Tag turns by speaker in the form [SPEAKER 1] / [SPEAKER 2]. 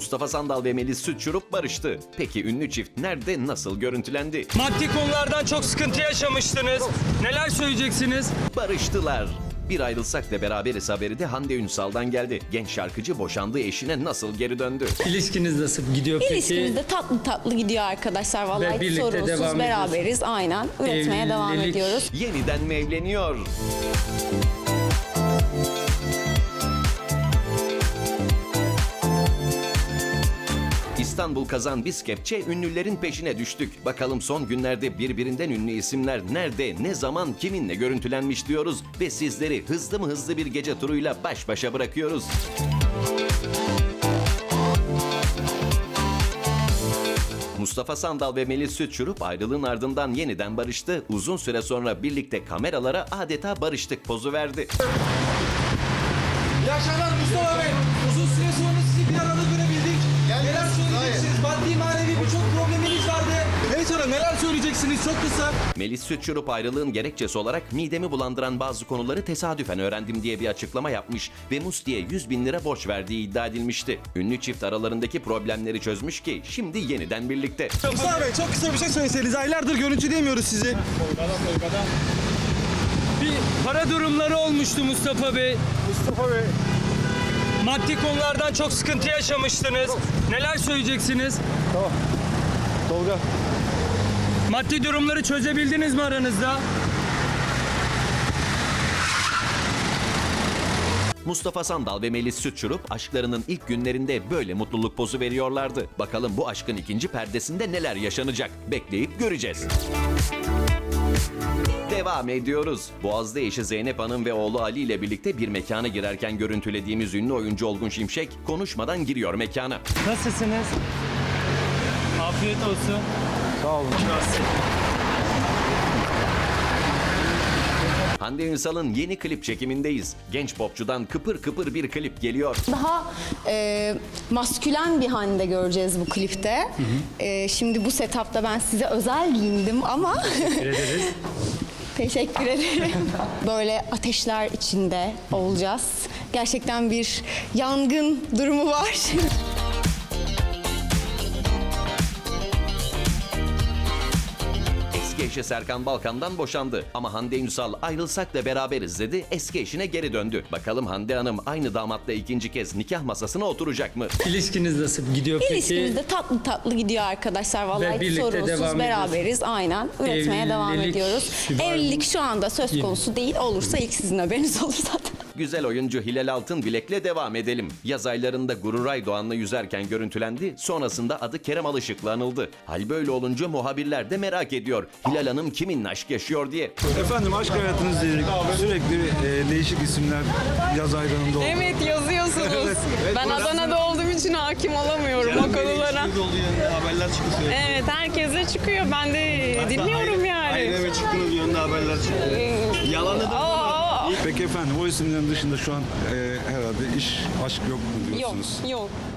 [SPEAKER 1] Mustafa Sandal ve Melis Sütçürük barıştı. Peki ünlü çift nerede, nasıl görüntülendi?
[SPEAKER 2] Maddi konulardan çok sıkıntı yaşamıştınız. Neler söyleyeceksiniz?
[SPEAKER 1] Barıştılar. Bir ayrılsak da beraberiz haberi de Hande Ünsal'dan geldi. Genç şarkıcı boşandığı eşine nasıl geri döndü?
[SPEAKER 2] İlişkiniz nasıl gidiyor peki?
[SPEAKER 3] İlişkimiz de tatlı tatlı gidiyor arkadaşlar.
[SPEAKER 2] Ve
[SPEAKER 3] Vallahi hiç
[SPEAKER 2] birlikte
[SPEAKER 3] sorunsuz
[SPEAKER 2] devam
[SPEAKER 3] beraberiz. Aynen. Üretmeye devam
[SPEAKER 2] Evlilik.
[SPEAKER 3] ediyoruz.
[SPEAKER 1] Yeniden mi evleniyor? İstanbul Kazan Biz Kepçe ünlülerin peşine düştük. Bakalım son günlerde birbirinden ünlü isimler nerede, ne zaman, kiminle görüntülenmiş diyoruz ve sizleri hızlı mı hızlı bir gece turuyla baş başa bırakıyoruz. Mustafa Sandal ve Melis Sütçürük ayrılığın ardından yeniden barıştı. Uzun süre sonra birlikte kameralara adeta barıştık pozu verdi.
[SPEAKER 4] İyi akşamlar Mustafa Bey. Uzun süre sonra sizi bir arada görebildik. Neler söyleyeceksiniz? Maddi manevi birçok probleminiz vardı. Evet hanım, neler söyleyeceksiniz çok kısa?
[SPEAKER 1] Melis Sütçürük ayrılığın gerekçesi olarak midemi bulandıran bazı konuları tesadüfen öğrendim diye bir açıklama yapmış ve Musti'ye 100.000 lira borç verdiği iddia edilmişti. Ünlü çift aralarındaki problemleri çözmüş ki şimdi yeniden birlikte.
[SPEAKER 4] Mustafa Bey çok kısa bir şey söyleseniz. Aylardır görüntüleyemiyoruz sizi.
[SPEAKER 2] Bir para durumları olmuştu Mustafa Bey.
[SPEAKER 4] Mustafa Bey.
[SPEAKER 2] Maddi konulardan çok sıkıntı yaşamıştınız. Neler söyleyeceksiniz?
[SPEAKER 4] Tamam. Tolga.
[SPEAKER 2] Maddi durumları çözebildiniz mi aranızda?
[SPEAKER 1] Mustafa Sandal ve Melis Sütçürük aşklarının ilk günlerinde böyle mutluluk pozu veriyorlardı. Bakalım bu aşkın ikinci perdesinde neler yaşanacak? Bekleyip göreceğiz. Devam ediyoruz. Boğaz'da eşi Zeynep Hanım ve oğlu Ali ile birlikte bir mekana girerken görüntülediğimiz ünlü oyuncu Olgun Şimşek konuşmadan giriyor mekana.
[SPEAKER 2] Nasılsınız? Afiyet olsun.
[SPEAKER 4] Sağ olun.
[SPEAKER 1] Hande Ünsal'ın yeni klip çekimindeyiz. Genç popçudan kıpır kıpır bir klip geliyor.
[SPEAKER 3] Daha maskülen bir Hande göreceğiz bu klipte. Şimdi bu setupta ben size özel giyindim ama...
[SPEAKER 2] Teşekkür ederiz.
[SPEAKER 3] Teşekkür ederim. Böyle ateşler içinde olacağız. Gerçekten bir yangın durumu var.
[SPEAKER 1] Eski eşi Serkan Balkan'dan boşandı. Ama Hande Ünsal ayrılsak da beraberiz dedi. Eski eşine geri döndü. Bakalım Hande Hanım aynı damatla ikinci kez nikah masasına oturacak mı?
[SPEAKER 2] İlişkiniz nasıl gidiyor peki?
[SPEAKER 3] İlişkimiz de tatlı tatlı gidiyor arkadaşlar. Vallahi hiç
[SPEAKER 2] birlikte
[SPEAKER 3] sorunsuz
[SPEAKER 2] devam
[SPEAKER 3] beraberiz. Aynen. Üretmeye devam
[SPEAKER 2] Evlilik
[SPEAKER 3] ediyoruz.
[SPEAKER 2] var mı?
[SPEAKER 3] Evlilik şu anda söz konusu değil. Olursa ilk sizin haberiniz olur zaten.
[SPEAKER 1] Güzel oyuncu Hilal Altınbilek'le devam edelim. Yaz aylarında Gururay Doğan'la yüzerken görüntülendi. Sonrasında adı Kerem Alışık'la anıldı. Hal böyle olunca muhabirler de merak ediyor. Hilal Hanım kiminle aşk yaşıyor diye.
[SPEAKER 5] Efendim aşk hayatınızla ilgili sürekli değişik isimler yaz aylarında oldu.
[SPEAKER 6] Evet yazıyorsunuz. Ben Adana'da olduğum için hakim olamıyorum o konulara.
[SPEAKER 5] Haberler çıktı sürekli.
[SPEAKER 6] Evet herkese çıkıyor. Ben de dinliyorum yani.
[SPEAKER 5] Aileme çıktınız yönünde haberler çıktı. Yalanı da.
[SPEAKER 6] Aa,
[SPEAKER 5] Peki efendim o isimlerin dışında şu an herhalde iş, aşk yok mu
[SPEAKER 6] yok
[SPEAKER 5] diyorsunuz?
[SPEAKER 6] yok.